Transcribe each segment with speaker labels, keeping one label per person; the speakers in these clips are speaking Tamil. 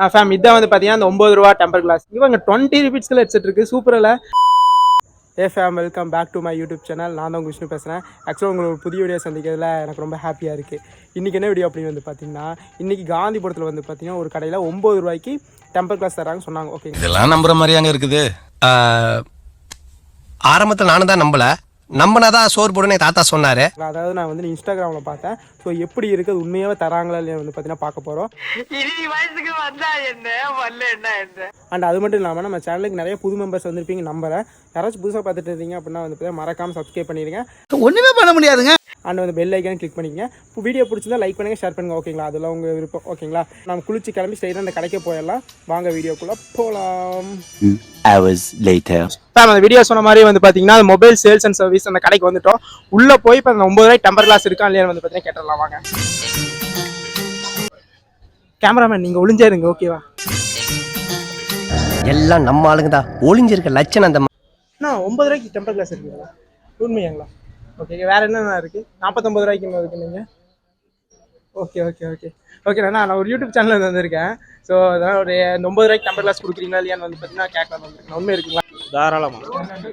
Speaker 1: ஃபேம் இதான் வந்து பார்த்தீங்கன்னா அந்த 9 ரூபா டெம்பர் கிளாஸ். இவங்க 20 ருபீஸ்க்குள்ள ஹெட்செட் இருக்குது. சூப்பரில். Hey fam, welcome back to my YouTube channel. நான் தான் உங்கள் விஷ்ணு பேசுகிறேன். ஆக்சுவலாக உங்களுக்கு புதிய வீடியோ சந்திக்கிறதுல எனக்கு ரொம்ப ஹாப்பியாக இருக்குது. இன்றைக்கி என்ன வீடியோ அப்படின்னு வந்து பார்த்தீங்கன்னா, இன்றைக்கி காந்திபுரத்தில் வந்து பார்த்தீங்கன்னா ஒரு கடையில் 9 ரூபாய்க்கு டெம்பர் கிளாஸ் தராங்க சொன்னாங்க. ஓகே,
Speaker 2: இதெல்லாம் நம்புற மாதிரியாங்க இருக்குது. ஆரம்பத்தில் நானும் தான் நம்பினாதான் சோறு போடுன்னு தாத்தா சொன்னாரு.
Speaker 1: அதாவது நான் வந்து இன்ஸ்டாகிராமில் பார்த்தேன். ஸோ எப்படி இருக்குது, உண்மையாகவே தராங்களா இல்லையா வந்து பார்த்தீங்கன்னா பார்க்க போகிறோம். அண்ட் அது மட்டும் இல்லாமல் நம்ம சேனலுக்கு நிறைய புது மெம்பர்ஸ் வந்துருப்பீங்க நம்புறேன். யாராச்சும் புதுசாக பார்த்துட்டு இருந்தீங்க அப்படின்னா வந்து பார்த்தீங்கன்னா மறக்காமல் சப்ஸ்கிரைப் பண்ணிடுங்க.
Speaker 3: ஒன்றுமே பண்ண முடியாதுங்க.
Speaker 1: அண்ட் வந்து பெல் ஐக்கான் கிளிக் பண்ணிக்கங்க. இப்போ வீடியோ பிடிச்சிருந்தா லைக் பண்ணுங்கள், ஷேர் பண்ணுங்கள். ஓகேங்களா, அதெல்லாம் உங்கள் விருப்பம். ஓகேங்களா, நம்ம குளிச்சு கிளம்பி ஸ்ட்ரைட்டாக அந்த கடைக்கு போயிடலாம். வாங்க வீடியோக்குள்ளே போகலாம். அந்த வீடியோ சொன்ன மாதிரி வந்து பார்த்தீங்கன்னா மொபைல் சேல்ஸ் அண்ட் சர்வீஸ் அந்த கடைக்கு வந்துட்டோம். உள்ளே போய் இப்போ அந்த 9 ரூபாய் டெம்பர் கிளாஸ் இருக்கா இல்லையா வந்து பார்த்தீங்கன்னா கேட்டுடலாம். வாங்க கேமராமேன், நீங்கள் ஒளிஞ்சாருங்க. ஓகேவா,
Speaker 4: எல்லாம் நம்ம ஆளுங்க தான். ஒளிஞ்சிருக்க லட்சணம் அந்த
Speaker 1: 9 ரூபாய்க்கு டெம்பர் கிளாஸ் இருக்குங்களா? உண்மையாங்களா? ஓகே, வேறு என்னென்ன இருக்குது? 49 ரூபாய்க்கு என்ன இருக்குது நீங்கள்? ஓகே ஓகே ஓகே ஓகே நான் ஒரு யூடியூப் சேனலில் வந்திருக்கேன். ஸோ அதனால் ஒரு 9 ரூபாய்க்கு டெம்பர் கிளாஸ் கொடுக்குறீங்களா இல்லையான்னு வந்து பார்த்தீங்கன்னா கேட்கலாம் வந்துருக்கேன். உண்மை இருக்குங்களா? தாராளமாக.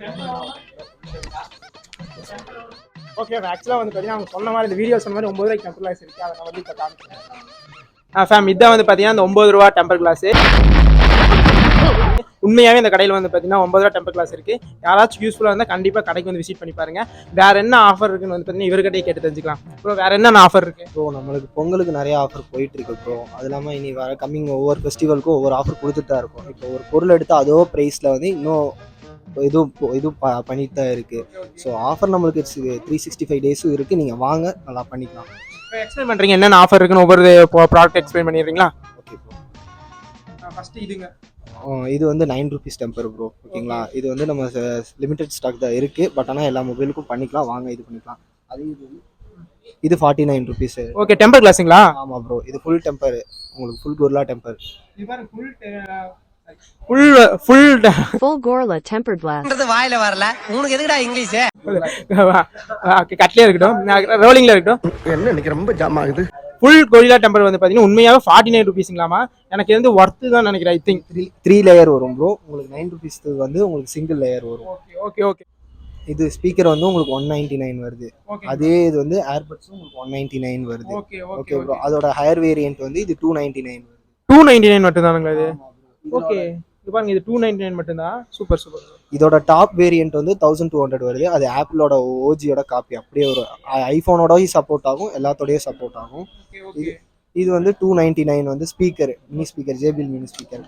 Speaker 1: ஓகே, ஆக்சுவலாக வந்து பார்த்தீங்கன்னா அவங்க சொன்ன மாதிரி இந்த வீடியோ சொன்ன மாதிரி 9 ரூபாய்க்கு டெம்பர் கிளாஸ் இருக்குது. அதை நான் வந்து இப்போ காமிக்கிறேன். ஃபேம் இதான் வந்து பார்த்தீங்கன்னா அந்த 9 ரூபா டெம்பர் கிளாஸு. உண்மையாகவே இந்த கடையில் வந்து பார்த்தீங்கன்னா 9 ரூபா டெம்பர் கிளாஸ் இருக்குது. யாராச்சும் யூஸ்ஃபுல்லாக இருந்தால் கண்டிப்பாக கடைக்கு வந்து விசிட் பண்ணி பாருங்கள். வேறு என்ன ஆஃபர் இருக்குன்னு வந்து பார்த்தீங்கன்னா இவர்கிட்டயே கேட்டு தெரிஞ்சுக்கலாம். ப்ரோ வேறு என்னென்ன ஆஃபர் இருக்குது?
Speaker 5: ப்ரோ நம்மளுக்கு பொங்கலுக்கு நிறைய ஆஃபர் போயிட்டுருக்கு ப்ரோ. அது இல்லாமல் இனி வர கம்மிங் ஒவ்வொரு ஃபெஸ்டிவலுக்கும் ஒவ்வொரு ஆஃபர் கொடுத்துட்டு தான் இருக்கும். இப்போ ஒரு பொருள் எடுத்தால் அதோ ப்ரைஸில் வந்து இன்னும் இது பண்ணிட்டு தான் இருக்குது. ஸோ ஆஃபர் நம்மளுக்கு 365 டேஸும் இருக்குது. நீங்கள் வாங்க, நல்லா பண்ணிக்கலாம்.
Speaker 1: எக்ஸ்பிளைன் பண்ணுறீங்க என்னென்ன ஆஃபர் இருக்குன்னு ஒவ்வொரு ப்ராடக்ட் எக்ஸ்பிளைன் பண்ணிடுறீங்களா?
Speaker 5: Okay bro.
Speaker 1: ஃபஸ்ட்டு இதுங்க.
Speaker 5: இது வந்து 9 ருபீஸ் டெம்பர் ப்ரோ. ஓகேங்களா, இது வந்து நம்ம லிமிடெட் ஸ்டாக் தான் இருக்குது. பட் ஆனால் எல்லா மொபைலுக்கும் பண்ணிக்கலாம். வாங்க இது பண்ணிக்கலாம். அது இது 49 ருபீஸ்.
Speaker 1: Okay, temper கிளாஸுங்களா?
Speaker 5: ஆமாம் ப்ரோ, இது ஃபுல் டெம்பர். உங்களுக்கு full gorilla temper.
Speaker 6: full gorilla tempered glass.
Speaker 4: வாயில வரல உனக்கு எதுக்குடா இங்கிலீஷ்?
Speaker 1: கட்லயே இருக்கட்டும், ரோலிங்ல இருக்கட்டும்.
Speaker 3: என்ன இன்னைக்கு ரொம்ப ஜாம் ஆகுது.
Speaker 1: ஃபுல் கொரில்லா டெம்பர் வந்து பார்த்தீங்கன்னா உண்மையாகவே 49 ருபீஸுங்களாமா. எனக்கு வந்து ஒர்த்து தான் நினைக்கிறேன். ஐ திங்க்
Speaker 5: 3 லேயர் வரும் ப்ரோ. உங்களுக்கு 9 ருபீஸ் வந்து உங்களுக்கு சிங்கிள் லேயர் வரும்.
Speaker 1: Okay okay okay.
Speaker 5: இது ஸ்பீக்கர் வந்து உங்களுக்கு 199 வருது. அதே இது வந்து ஏர்பட்ஸும் உங்களுக்கு 199 வருது.
Speaker 1: Okay
Speaker 5: okay bro. அதோட ஹையர் வேரியன்ட் வந்து இது 299 வருது.
Speaker 1: 299 மட்டும் தானுங்களா இது? ஓகே, இது பாருங்க, இது 299 மட்டும் தான். Super super.
Speaker 5: இதோட டாப் வேரியன்ட் வந்து 1200 வருது. அது ஆப்பிளோட ஓஜியோட காப்பி. அப்படியே ஒரு ஐஃபோனோடய சப்போர்ட் ஆகும், எல்லாத்தோடய சப்போர்ட் ஆகும். இது வந்து 299 வந்து speaker, mini speaker, JBL mini speaker.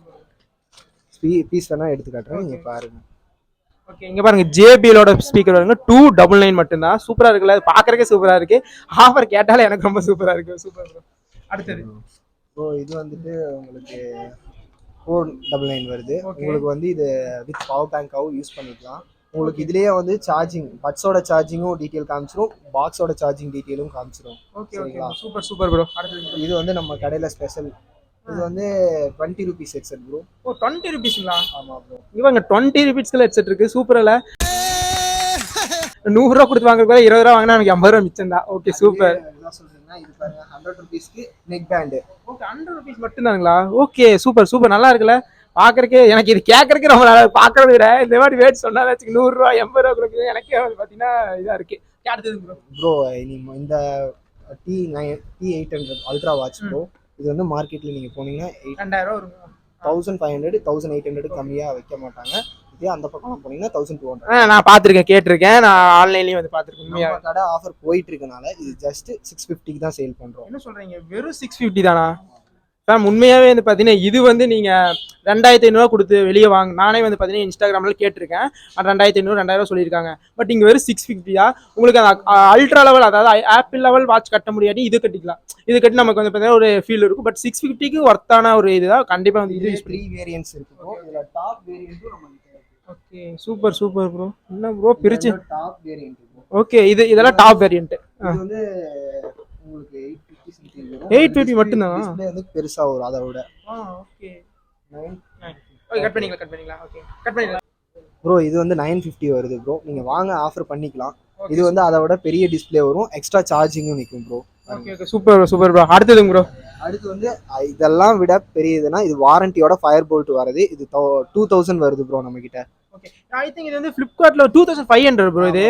Speaker 5: Piece வேணா எடுத்து காட்டுறேன், நீங்க பாருங்க.
Speaker 1: ஓகே, இங்க பாருங்க, ஜேபிஎலோட ஸ்பீக்கர் வருங்க 299 மட்டும் தான். சூப்பரா இருக்குல்ல, பாக்குறதுக்கே சூப்பரா இருக்கு. ஆஃபர் கேட்டாலே எனக்கு ரொம்ப சூப்பரா இருக்கு. Super bro. அடுத்தது
Speaker 5: ப்ரோ இது வந்துட்டு உங்களுக்கு 499 வருது. உங்களுக்கு வந்து இது வித் பவர் பேங்காவும் யூஸ் பண்ணிக்கலாம். உங்களுக்கு இதுலயே வந்து சார்ஜிங், பட்ஸோட சார்ஜிங்கும் டீடைல் காமிச்சிரும், பாக்ஸோட சார்ஜிங் டீடைலும் காமிச்சிரும்.
Speaker 1: Okay okay, super super bro.
Speaker 5: இது வந்து நம்ம கடையில ஸ்பெஷல். இது வந்து 20 ருபீஸ் ஹெட்செட் ப்ரோ.
Speaker 1: ஓ, 20 ருபீஸ்ங்களா?
Speaker 5: ஆமா ப்ரோ.
Speaker 1: இவங்க 20 ருபீஸ்க்குள்ள ஹெட்செட் இருக்கு. சூப்பர்ல. 100 ரூபா கொடுத்து வாங்குறதுக்கு 20 ரூபா வாங்கினா எனக்கு 50 ரூபா மிச்சம் தான். Okay super.
Speaker 5: என்ன சொல்றீங்கன்னா இது பாருங்க, 100 ருபீஸ்க்கு நெக் பேண்ட்.
Speaker 1: ஓகே, 100 ருபீஸ் மட்டும் தானுங்களா? ஓகே சூப்பர் சூப்பர், நல்லா இருக்குல்ல பாக்குறதுக்கு. எனக்கு இது கேட்கறதுக்கு ரொம்ப நல்லா பாக்குறத விட இந்த மாதிரி ரேட் சொன்னா 100 ரூபா 80 ரூபா கொடுக்குது. எனக்கே வந்து பாத்தீங்கன்னா இதா இருக்கு. அடுத்தது
Speaker 5: ப்ரோ இந்த T800 அல்ட்ரா வாட்ச் ப்ரோ. இது வந்து மார்க்கெட்ல நீங்க போனீங்கன்னா
Speaker 1: 2000 ரூபா வரும்.
Speaker 5: 1500 1800 கம்மியா வைக்க மாட்டாங்க. இதே அந்த பக்கம் போனீங்கன்னா 1200.
Speaker 1: நான் பாத்திருக்கேன், கேட்டிருக்கேன், நான் ஆன்லைன்லயும் வந்து பாத்திருக்கேன். உண்மையா
Speaker 5: கடை ஆஃபர் போயிட்டு இருக்கனால இது ஜஸ்ட் 650 தான் சேல் பண்றோம்.
Speaker 1: என்ன சொல்றீங்க, வெறும் 650 தானா? மேம் உண்மையாகவே வந்து பார்த்தீங்கன்னா இது வந்து நீங்கள் 2500 கொடுத்து வெளியே வாங்க. நானே வந்து பார்த்தீங்கன்னா இன்ஸ்டாகிராமில் கேட்டிருக்கேன், 2500 2000 சொல்லியிருக்காங்க. பட் இங்கே வெறும் 650 உங்களுக்கு அந்த அல்ட்ரா லெவல், அதாவது ஆப்பிள் லெவல் வாட்ச் கட்ட முடியாது, இது கட்டிக்கலாம். இது கட்டி நமக்கு வந்து பார்த்தீங்கன்னா ஒரு ஃபீல் இருக்கும். பட் 650க்கு ஒர்த்தான ஒரு இதுதான். கண்டிப்பாக வந்து இது
Speaker 5: 3 வேரியன்ட்ஸ் இருக்கு. இதில் டாப் வேரியன்ட்டும் நம்ம கிட்ட இருக்கு.
Speaker 1: Okay super super bro. என்ன ப்ரோ பிரிச்சு
Speaker 5: டாப் வேரியன்ட்.
Speaker 1: ஓகே, இதெல்லாம் டாப் வேரியன்ட்.
Speaker 5: இது வந்து உங்களுக்கு
Speaker 1: 850 மட்டும் தான்.
Speaker 5: டிஸ்ப்ளே வந்து பெருசா வரும் அதை விட.
Speaker 1: ஓகே 9 ஓகே, கட் பண்ணிக்கலாம். ஓகே கட் பண்ணிடலாம்
Speaker 5: ப்ரோ. இது வந்து 950 வருது ப்ரோ. நீங்க வாங்க, ஆஃபர் பண்ணிக்கலாம். இது வந்து அதை விட பெரிய டிஸ்ப்ளே வரும், எக்ஸ்ட்ரா சார்ஜிங்கும் நிற்கும் bro.
Speaker 1: Okay okay super super bro. அடுத்ததுங்க ப்ரோ.
Speaker 5: அடுத்து வந்து இதெல்லாம் விட பெரியதுன்னா இது வாரண்டியோட ஃபயர் போல்ட் வருது. இது 2000 வருது ப்ரோ நம்ம கிட்ட.
Speaker 1: ஓகே ஐ திங்க் இது வந்து ஃப்ளிப்கார்ட்ல 2500 ப்ரோ இது.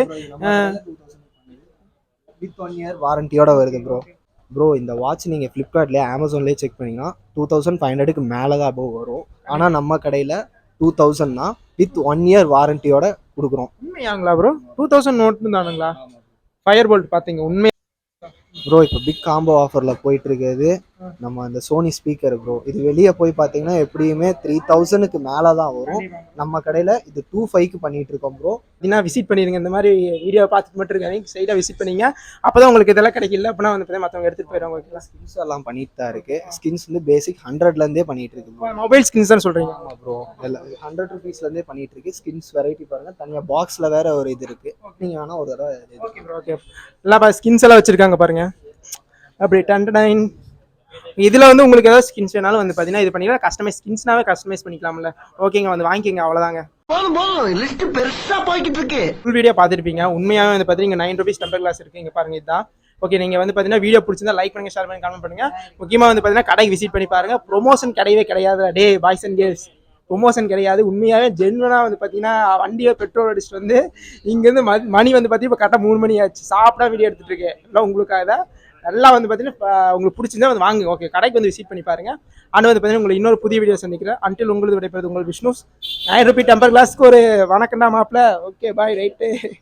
Speaker 5: வித் 1 இயர் வாரண்டியோட வருது ப்ரோ. ப்ரோ இந்த வாட்ச் நீங்கள் ஃப்ளிப்கார்ட்லேயே அமேசான்லேயே செக் பண்ணிங்கன்னா 2500க்கு மேலே தான் அபோவ் வரும். ஆனால் நம்ம கடையில் 2000 வித் 1 இயர் வாரண்டியோட கொடுக்குறோம்.
Speaker 1: உண்மையாங்களா ப்ரோ? 2000 நோட்டு தானுங்களா ஃபயர் போல்ட் பார்த்தீங்க? உண்மை
Speaker 5: ப்ரோ இப்போ பிக் காம்போ ஆஃபரில் போயிட்டு இருக்கிறது நம்ம அந்த சோனி ஸ்பீக்கர் ப்ரோ. இது வெளியே போய் பார்த்தீங்கன்னா எப்படியுமே 3000க்கு மேலே தான் வரும். நம்ம கடையில் இது 2500க்கு பண்ணிட்டு இருக்கோம் ப்ரோ.
Speaker 1: அப்படின்னா விசிட் பண்ணிடுங்க. இந்த மாதிரி வீடியோ பார்த்துட்டு மட்டும் இருக்காங்க, சைடாக விசிட் பண்ணிங்க. அப்போ தான் உங்களுக்கு இதெல்லாம் கிடைக்கல அப்படின்னா வந்து மற்றவங்க எடுத்துகிட்டு போயிடுவாங்க. ஓகேங்களா?
Speaker 5: ஸ்கின்ஸ் எல்லாம் பண்ணிட்டு தான் இருக்கு. ஸ்கின்ஸ் வந்து பேசிக் 100லேருந்தே பண்ணிட்டு இருக்கு ப்ரோ.
Speaker 1: மொபைல் ஸ்கின்ஸ் தான் சொல்கிறீங்க?
Speaker 5: ஆமாம் ப்ரோ. எல்லாம் 100 ருபீஸ்லேருந்தே பண்ணிட்டு இருக்கு. ஸ்கின்ஸ் வெரைட்டி பாருங்கள், தனியாக பாக்ஸில் வேற ஒரு இது இருக்கு. நீங்கள் வேணால் ஒரு தடவை
Speaker 1: ஓகே ப்ரோ. ஓகே எல்லாம் ஸ்கின்ஸ் எல்லாம் வச்சுருக்காங்க பாருங்க. அப்படி 10 இதில் வந்து உங்களுக்கு ஏதாவது ஸ்கின்ஸ் வேணாலும் வந்து பார்த்தீங்கன்னா இது பண்ணிக்கலாம். கஸ்டமைஸ் ஸ்கின்ஸ்னாவே கஸ்டமைஸ் பண்ணிக்கலாம்ல. ஓகேங்க வந்து வாங்கிக்கோங்க, அவ்வளோதாங்க.
Speaker 3: லிஸ்ட் பெருசா போய்கிட்டு இருக்கு.
Speaker 1: ஃபுல் வீடியோ பார்த்துருப்பீங்க. உண்மையாகவே வந்து பார்த்தீங்கன்னா 9 rupees டெம்பர் கிளாஸ் இருக்குது. இங்கே பாருங்க இதுதான். ஓகே நீங்கள் வந்து பார்த்தீங்கன்னா வீடியோ பிடிச்சிருந்தா லைக் பண்ணுங்கள், ஷேர் பண்ணி கமெண்ட் பண்ணுங்கள். முக்கியமாக வந்து பார்த்தீங்கன்னா கடைக்கு விசிட் பண்ணி பாருங்கள். ப்ரொமோஷன் கிடையவே கிடையாது. டே பாய்ஸ் அண்ட் கேர்ள்ஸ் ப்ரொமோஷன் கிடையாது. உண்மையாகவே ஜென்வனாக வந்து பார்த்தீங்கன்னா வண்டியை பெட்ரோல் அடிச்சுட்டு வந்து இங்கேருந்து மணி வந்து பார்த்தீங்கன்னா இப்போ கரெக்டாக 3 மணி ஆச்சு. சாப்பிட்டா வீடியோ எடுத்துகிட்டு இருக்கேன். எல்லாம் உங்களுக்காக தான். நல்லா வந்து பார்த்தீங்கன்னா உங்களுக்கு பிடிச்சிருந்தா வந்து வாங்க. ஓகே கடைக்கு வந்து விசிட் பண்ணி பாருங்க. ஆனால் வந்து பார்த்தீங்கன்னா உங்களுக்கு இன்னொரு புதிய வீடியோ சந்திக்கிறேன். அன்டில் உங்களுக்கு விடைபெறுது உங்கள் விஷ்ணு. 9 ரூபி டெம்பர் கிளாஸ்க்கு ஒரு வணக்கம்டா மாப்பிள்ள. Okay bye. ரைட்டு.